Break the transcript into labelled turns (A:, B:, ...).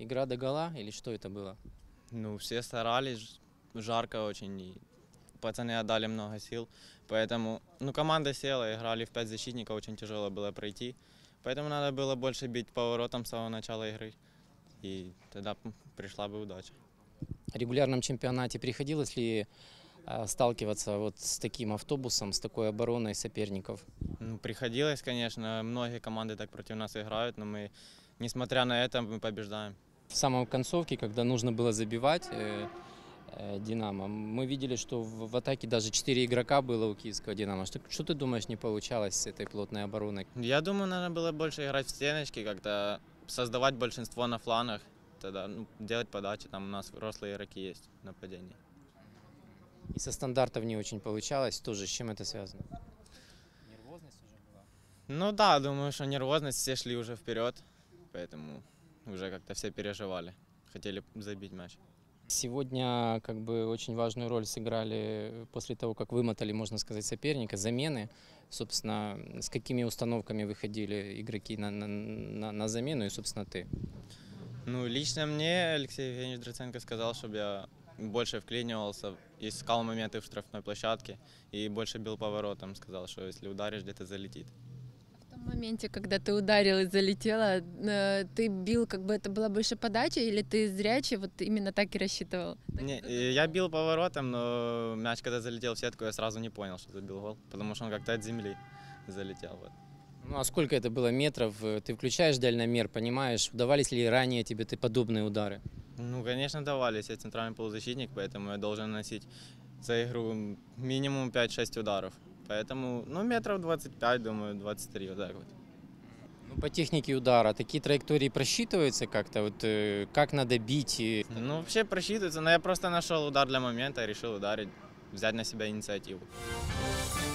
A: Игра догола или что это было?
B: Ну, все старались, жарко очень, и пацаны отдали много сил. Поэтому, команда села, играли в 5 защитников, очень тяжело было пройти. Поэтому надо было больше бить по воротам с самого начала игры. И тогда пришла бы удача.
A: В регулярном чемпионате приходилось ли сталкиваться вот с таким автобусом, с такой обороной соперников?
B: Ну, приходилось, конечно, многие команды так против нас играют, но мы, несмотря на это, мы побеждаем.
A: В самом концовке, когда нужно было забивать «Динамо», мы видели, что в атаке даже 4 игрока было у киевского «Динамо». Что ты думаешь, не получалось с этой плотной обороной?
B: Я думаю, надо было больше играть в стеночки, как-то создавать большинство на флангах, тогда делать подачи, там у нас взрослые игроки есть в нападении.
A: И со стандартов не очень получалось. Тоже с чем это связано? Нервозность уже была?
B: Ну да, думаю, что нервозность, все шли уже вперед, поэтому уже как-то все переживали, хотели забить мяч.
A: Сегодня очень важную роль сыграли после того, как вымотали, можно сказать, соперника, замены. Собственно, с какими установками выходили игроки на замену и, собственно, ты?
B: Ну, лично мне Алексей Евгеньевич Драценко сказал, чтобы я больше вклинивался, искал моменты в штрафной площадке и больше бил по воротам. Сказал, что если ударишь, где-то залетит.
C: В том моменте, когда ты ударил и залетела, ты бил, это была больше подача, или ты зрячий, вот именно так и рассчитывал?
B: Не, я бил по воротам, но мяч, когда залетел в сетку, я сразу не понял, что забил гол, потому что он как-то от земли залетел. Вот.
A: Ну а сколько это было метров? Ты включаешь дальномер, понимаешь, удавались ли ранее тебе подобные удары?
B: Ну, конечно, давались. Я центральный полузащитник, поэтому я должен носить за игру минимум 5-6 ударов. Поэтому, метров 25, думаю, 23, вот так вот.
A: Ну, по технике удара такие траектории просчитываются как-то? Как надо бить?
B: Ну, вообще просчитывается, но я просто нашел удар для момента, решил ударить, взять на себя инициативу.